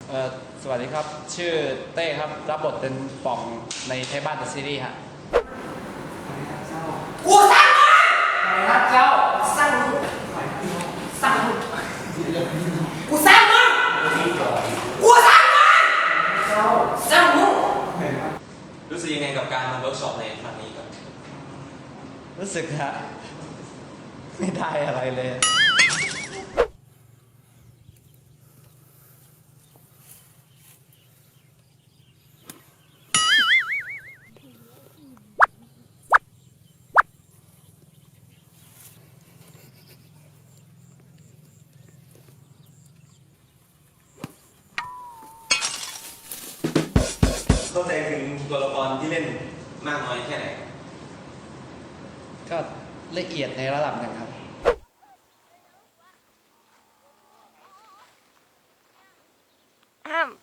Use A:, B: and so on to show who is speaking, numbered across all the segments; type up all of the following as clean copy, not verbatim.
A: สวัสดีครับชื่อเต้ครับรับบทเป็นป่องในไทยบ้านเดอะซีรีส์ฮะ
B: กูสั่งมึง
A: ครับเจ้า
B: สั่งมึงสั่งมึงกูสั่งมึงกูสั่งมึงสั่งมึง
C: รู้สึกยังไงกับการมาเวิร์กช็อปในครั้งนี้ครับ
A: รู้สึกฮะไม่ได้อะไรเลย
C: เข้าใจถึงตัวละครที่เล่นมากน้อยแค่ไหน
A: ก็ละเอียดในระดับหนึ่งครับ
D: อ้าม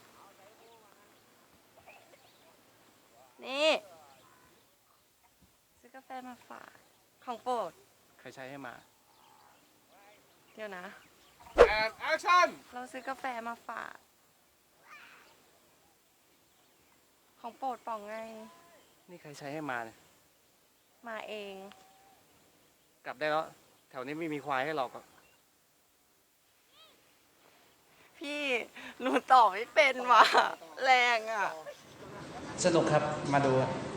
D: นี่ซื้อกาแฟมาฝากของโปรด
A: ใครใช้ให้มา
D: เดี๋ยวนะ
E: and action
D: เราซื้อกาแฟมาฝากของโปรดป่องไง
A: นี่ใครใช้ให้มาเนี่ย
D: มาเอง
A: กลับได้แล้วแถวนี้ไม่มีควายให้หรอก
D: พี่หนูตอบไม่เป็นว่ะแรงอ่ะ
A: สนุกครับมาดู